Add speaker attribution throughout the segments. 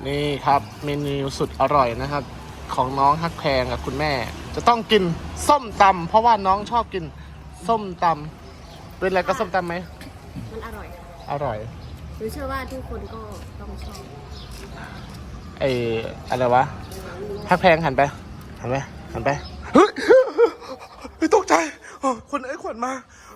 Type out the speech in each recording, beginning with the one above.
Speaker 1: นี่ครับเมนูสุดอร่อยนะครับของน้องฮักแพงกับคุณแม่ จะต้องกินส้มตำเพราะว่าน้องชอบกินส้มตำเป็นอะไรก็ส้มตำไหม
Speaker 2: มันอร่อย
Speaker 1: อร่อย
Speaker 2: หรือเชื่อว่าทุกคนก็ต้องชอบ
Speaker 1: อะไรวะฮักแพงหันไปหันไปหันไปเฮ้ยตกใจคนขวัญมา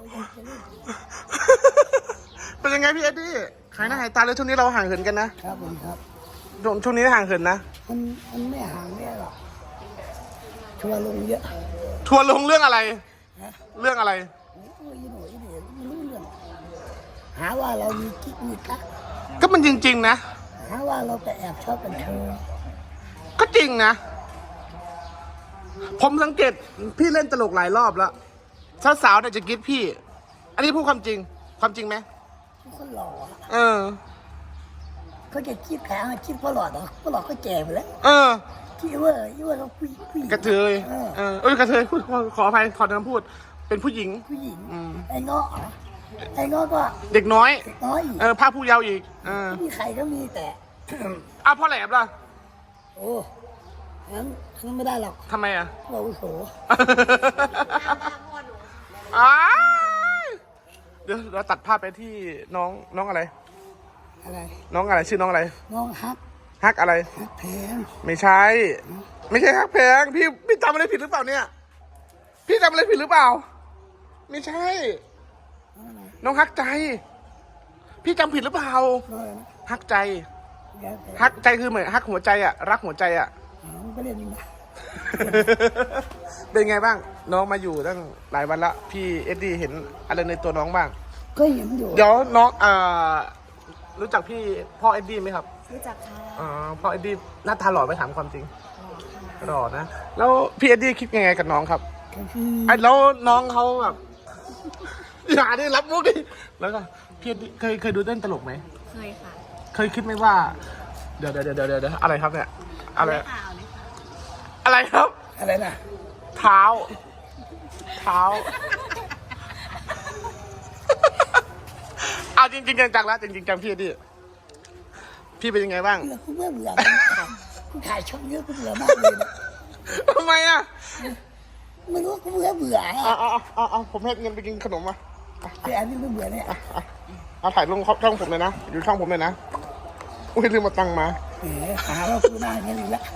Speaker 1: เป็นยังไงพี่เอ็ดดี้หายหน้าหายตาเลยช่วงนี้เราห่างเหินกันนะครับ
Speaker 3: ผมครับ
Speaker 1: ช่วงนี้ห่างเหินนะ
Speaker 3: มันไม่ห่างไม่หรอกทัวร์ลงเยอะ
Speaker 1: ทัวร์ลงเรื่องอะไรเรื่องอะไร
Speaker 3: อีหน่อยไม่รู้เรื่องหาว่าเรามีกิ๊กมีกั๊ก
Speaker 1: ก็มันจริงๆนะ
Speaker 3: หาว่าเราไปแอบชอบกันเธอ
Speaker 1: ก็จริงนะผมสังเกตพี่เล่นตลกหลายรอบแล้วสาวๆเนี่ยจะกิ๊ดพี่อันนี้พูดความจริงไหม
Speaker 3: คนหล่อเขาจะคิดแผลคิดพ่อหลอดเหรอพ่อหลอดก็แก่ไปแล้วคิดว่าเราคุย
Speaker 1: กระเทยกระเทยพูดขออภัยขอคำพูดเป็นผู้หญิง
Speaker 3: ไอ้เงาะก็
Speaker 1: เด็กน้อยภาคผู้เยาว์อีก
Speaker 3: มีใครก็มีแต่
Speaker 1: พ่อแหลมล่ะ
Speaker 3: โอ้งั้นไม่ได้หรอก
Speaker 1: ทำไมอ่ะ
Speaker 3: เราโส
Speaker 1: เดี๋ยวเราตัดภาพไปที่น้องอะไรน้องอะไรชื่อน้องอะไร
Speaker 3: น้อง
Speaker 1: ฮักอะไร
Speaker 3: ฮักแพง
Speaker 1: ไม่ใช่ฮักแพงพี่จำอะไรผิดหรือเปล่าเนี่ยพี่จำอะไรผิดหรือเปล่าไม่ใช่น้องฮักใจพี่จำผิดหรือเปล่าฮักใจคือเหมือนฮักหัวใจอ่ะรักหัวใจอ่ะ
Speaker 3: ก็เรียนนี่
Speaker 1: เป็นไงบ้างน้องมาอยู่ตั้งหลายวันละพี่เอ็ดดี้เห็นอะไรในตัวน้องบ้าง
Speaker 3: ก็เห็นอยู่
Speaker 1: เดี๋ยวน้องรู้จักพี่พ่อเอ็ดดี้ไหมครับ
Speaker 2: รู้จักค่ะ
Speaker 1: พ่อเอ็ดดี้หน้าตาหล่อไหมถามความจริงหล่อนะแล้วพี่เอ็ดดี้คิดยังไงกับน้องครับแล้วน้องเขาแบบอย่าได้รับมุกดิแล้วก็พี่เอ็ดดี้เคยดูเต้นตลกไหม
Speaker 2: เคยค่ะ
Speaker 1: เคยคิดไหมว่าเดี๋ยวอะไรครับเนี่ยอะไรครับ
Speaker 3: อะไรนะ
Speaker 1: เท้าเอาจริงจังแล้วจริงจังพี่ดิพี่เป็นยังไงบ้าง
Speaker 3: กูเบื่อกูถ่ายช่องเยอะกูเบื่อมากเลย
Speaker 1: ทำไมอ่ะ
Speaker 3: ไม่รู้กูเบื่อ
Speaker 1: เอาผมให้เงินไปกินขนมมา
Speaker 3: แต่อันนี้ไม่เบื่อเนี่ย
Speaker 1: เอาถ่ายลงช่องผมเลยนะอยู่ช่องผมเลยนะอุ้ยลืมมาตังมา
Speaker 3: หาว่ากูหน้าเงี้ยอีกแล้ว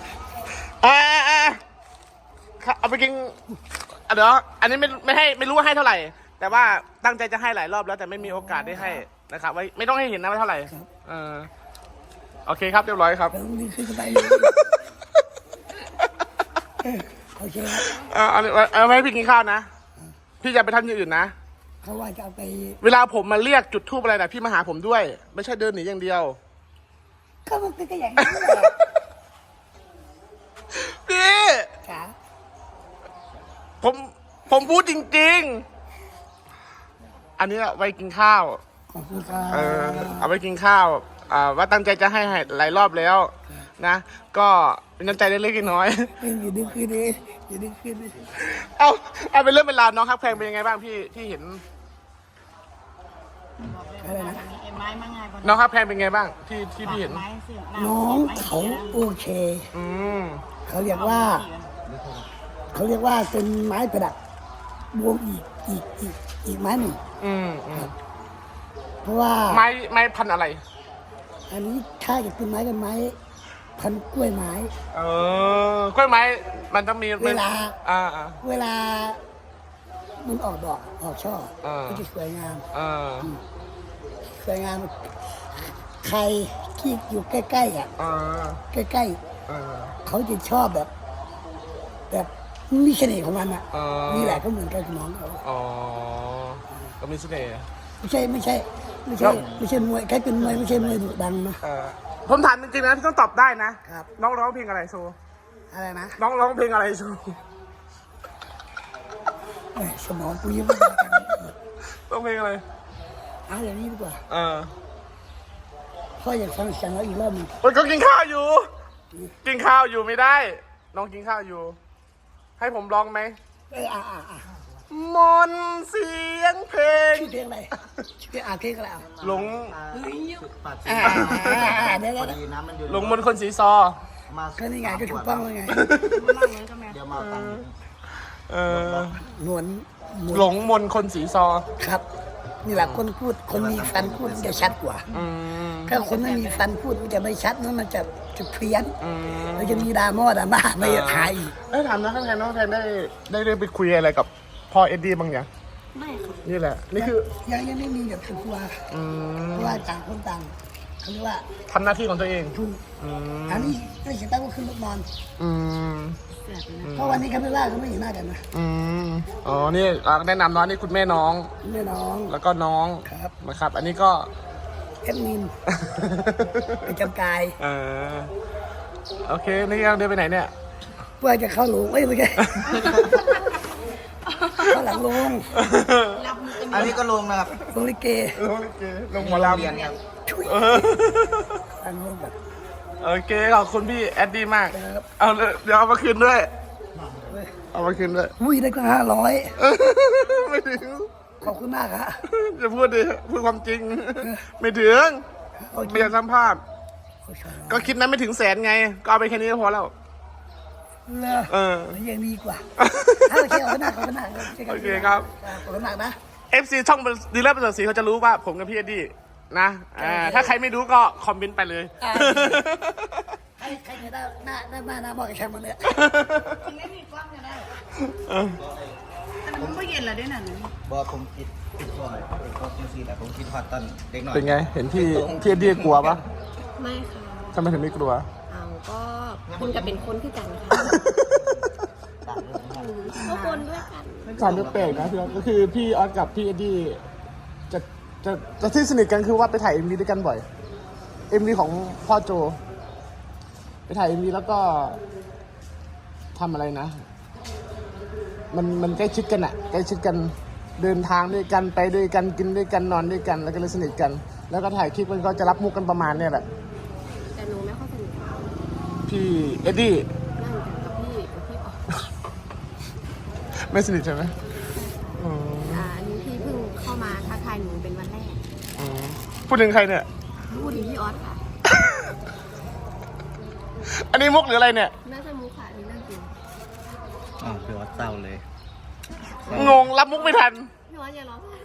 Speaker 1: เอาไปกินเดี๋ยวอันนี้ไม่รู้ว่าให้เท่าไหร่แต่ว่าตั้งใจจะให้หลายรอบแล้วแต่ไม่มีโอกาสได้ให้นะครับไว้ไม่ต้องให้เห็นนะว่าเท่าไหร่โอเคครับเรียบร้อยครับ
Speaker 3: นี่คือไปโอเคครับ
Speaker 1: เอาไว้พี่กินข้าวนะพี่จะไปทำอย่างอื่นนะ
Speaker 3: เขาว่าจะเอาไป
Speaker 1: เวลาผมมาเรียกจุดธูปอะไรนะพี่มาหาผมด้วยไม่ใช่เดินหนีอย่างเดียว
Speaker 3: ก็มันเป็นอย่างนี้แหละ
Speaker 1: พี่ผมพูดจริงๆอันนี้ไว้กินข้าวเอาไว้กินข้าวว่าตั้งใจจะให้หลายรอบแล้วนะก็เป็นน้ำใจเล็กๆน้อย
Speaker 3: อยู่ดึกคืนนี้อยู่ดึกคืนนี้
Speaker 1: เอาเป็นเรื่องเป็นราวน้องฮักแพงเป็นยังไงบ้างพี่ที่เห็น
Speaker 3: อะไรนะ
Speaker 1: น้องฮักแพงเป็นไงบ้างที่พี่เห็น
Speaker 3: น้องเขาโอเคเขาเรียกว่าเป็นไม้ประดับบวงอีกไม้หนึ่งเพราะว่า
Speaker 1: ไม้พันอะไร
Speaker 3: อันนี้ถ้าจะเป็นไม้กันไม้พันกล้วยไม้
Speaker 1: กล้วยไม้มันต้องมี
Speaker 3: เวลามันออกดอกออกช่อก็จะสวยงามใครที่อยู่ใกล้ๆใกล้ๆเขาจะชอบแบบมีเสน่ห์ของมันนี่แหละก็เหมือนกันกับน้องเขา
Speaker 1: ก็มีเสน่ห์
Speaker 3: ไม่ใช่มวยใครเป็นมวยไม่ใช่มวยดุดันนะ
Speaker 1: ผมถามจริงๆนะพี่ต้องตอบได้นะครับน้องร้องเพลงอะไรโชว์
Speaker 3: อะไรนะ
Speaker 1: น้องร้องเพลงอะไรโชว์
Speaker 3: สมองกูยังไม่ได้
Speaker 1: ร้องเพลงอะไร
Speaker 3: อย่างนี้ดีกว่าพ่ออยากฟังเสียงเราอีกรอบนึง
Speaker 1: ก็กินข้าวอยู่ไม่ได้น้องกินข้าวอยู่ให้ผมร้องไหมมนต์เสียงเพลง
Speaker 3: ชื่อเพลงอะไรชื่อเพลงเพลงอะไรอ่ะ
Speaker 1: หลง
Speaker 4: ปาก
Speaker 3: เดี๋ยว
Speaker 4: พอดีน้ำมันอยู่
Speaker 1: หลงมนต์คนสีซอ
Speaker 4: มา
Speaker 3: ก็นี่ไงก็ถูกต้องแล้วไง
Speaker 4: เดี๋ยวมาตังค์
Speaker 1: เออ
Speaker 3: หนวล
Speaker 1: หลงมนต์คนสีซอ
Speaker 3: ครับ นี่แหละคนพูดคนมีฟันพูดมันจะชัดกว่า
Speaker 1: อืม
Speaker 3: ถ้าคนไม่มีฟันพูดมันจะไม่ชัดนะมันจะเพี้ยน
Speaker 1: อืม
Speaker 3: มันจะมีดราม่าไม่จะถ่ายอีก
Speaker 1: ได้ถามนะข้างในน้องแทนได้ไปคุยอะไรกับพ่อเอ็ดดี้บ้างยัง
Speaker 2: ไม่ค่ะ
Speaker 1: นี่แหละ นี่คือ
Speaker 3: ยังไม่มีแบบครอบครัว
Speaker 1: อืม
Speaker 3: เพราะว่าต่างคนต่างเขาเรียกว่า
Speaker 1: ทำหน้าที่ของตัวเอง
Speaker 3: ถูก
Speaker 1: อืม
Speaker 3: อันนี้ไม่เห็นตั้งก็ขึ้นรถนอน
Speaker 1: อืม
Speaker 2: เสียบเลยนะ
Speaker 3: เพราะวันนี้เขาไม่ว่าเขาไม่เห็นหน้ากันนะ
Speaker 1: อืมอ๋อนี่แนะนำน้องนี่คุณแม่น้อง
Speaker 3: แม่น้อง
Speaker 1: แล้วก็น้อง
Speaker 3: ครับ
Speaker 1: นะครับ อันนี้ก็
Speaker 3: แอดมินประจำกาย
Speaker 1: เออโอเค นี่ยังเดินไปไหนเนี่ย
Speaker 3: เพื่อจะเข้าหลงไม่ใช่เข้าหลังลง
Speaker 4: อันนี้ก็ลงนะครับ
Speaker 3: ลงลิเก
Speaker 1: ลงลิเกลงหมอลำ
Speaker 4: เรียนครับ
Speaker 3: ช่วยหลังลงแบบ
Speaker 1: โอเค ขอบคุณพี่แอดดี้มาก
Speaker 3: ครับ
Speaker 1: เอาเลยเดี๋ยวเอามาคืนด้วย เอามาคืนด้วย
Speaker 3: อุ้ยได้ก็500
Speaker 1: ไม่ถึง
Speaker 3: ขอบคุณมากฮะ
Speaker 1: จะพูดดิพูดความจริง ไม่ถึง
Speaker 3: โอเค
Speaker 1: ไม่อยากสัมภาษณ์ก็คิดนั้นไม่ถึงแสนไง ก็เอาไปแค่นี้ก็พอแล้ว
Speaker 3: เลอ
Speaker 1: เออ
Speaker 3: ยังดีกว่าโอเคขอบคุณมากขอบคุณมาก
Speaker 1: โอเคครับ
Speaker 3: ขอบคุณมากนะ
Speaker 1: FC ช่องดีเลอร์ประเสริฐศรีเขาจะรู้ว่าผมกับพี่เอ็ดดี้นะถ้าใครไม่รู้ก็คอมเมนต์ไปเลย
Speaker 3: ใครจะได้หน้าบอกกับฉันมาเนี่ย
Speaker 2: ไม่มีกล้องก็ได้แต่มันก็เย็นแล้วด้วยนะ
Speaker 4: บอกผมคิดก่อนก็จริงๆแต่ผมคิดฮอตตอนเด็กหน่อย
Speaker 1: เป็นไง เห็นพี่เอ็ดดี้กลัวปะ
Speaker 2: ไม่ค่ะ
Speaker 1: ทำไมถึงไม่กลัว
Speaker 2: เอาก็คุณจะเป็นคนที่กันค่ะก็คนด้วยกัน
Speaker 1: สารแปลกๆนะพี่ออสก็คือพี่ออสกับพี่เอ็ดดี้จะที่สนิทกันคือว่าไปถ่าย MV ด้วยกันบ่อย MV ของพ่อโจ ไปถ่าย MV แล้วก็ทำอะไรนะ มันใกล้ชิดกันอะใกล้ชิดกันเดินทางด้วยกันไปด้วยกันกินด้วยกันนอนด้วยกันแล้วก็เลยสนิทกัน แล้วก็ถ่ายคลิปมันก็จะรับมุกกันประมาณเนี่ยแหละ
Speaker 2: แต่หนูไม่ค่อยสนิทกับ
Speaker 1: พี่เอ็ดดี้
Speaker 2: นั่งกันกับพี่ออก
Speaker 1: ไม่สนิทใช่ไหมอืม
Speaker 2: อันนี้พี่เพิ่งเข้ามาทักทายหนูเป็นวันแรก
Speaker 1: อืมพูดถึงใครเนี่ย
Speaker 2: พูดถึงพี่ออสค่ะ
Speaker 1: อันนี้มุกหรืออะไรเนี่ย
Speaker 2: น่าจะมุกค่ะนี่นั่งจริง
Speaker 4: อ๋อคือว่าเศร้าเลย
Speaker 1: งงรับมุกไม่ทัน
Speaker 2: พี่ออสอย่าร้องไห้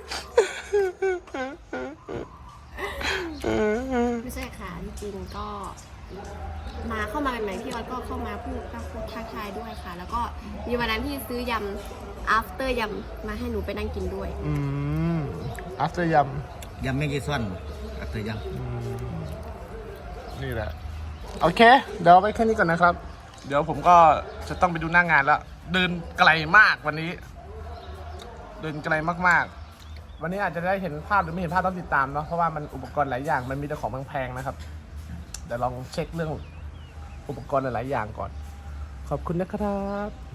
Speaker 2: ไม่ใช่ค่ะจริงๆก็เข้ามาใหม่ๆพี่ออสก็เข้ามาพูดทักทายด้วยค่ะ แล้วก็มีวันนั้นที่ซื้อยำ after ยำมาให้หนูไปนั่งกินด้วย
Speaker 1: อืม after ย
Speaker 4: ยังไม่กี่ส่วนอัตยัง
Speaker 1: ำนี่แหละ โอเค เดี๋ยวเอาไว้แค่นี้ก่อนนะครับ เดี๋ยวผมก็จะต้องไปดูหน้างานแล้ว เดินไกลมากวันนี้ เดินไกลมากๆ วันนี้อาจจะได้เห็นภาพหรือไม่เห็นภาพต้องติดตามเนาะ เพราะว่ามันอุปกรณ์หลายอย่าง มันมีแต่ของแพงๆนะครับ เดี๋ยวลองเช็คเรื่องอุปกรณ์หลายๆอย่างก่อน ขอบคุณนะครับ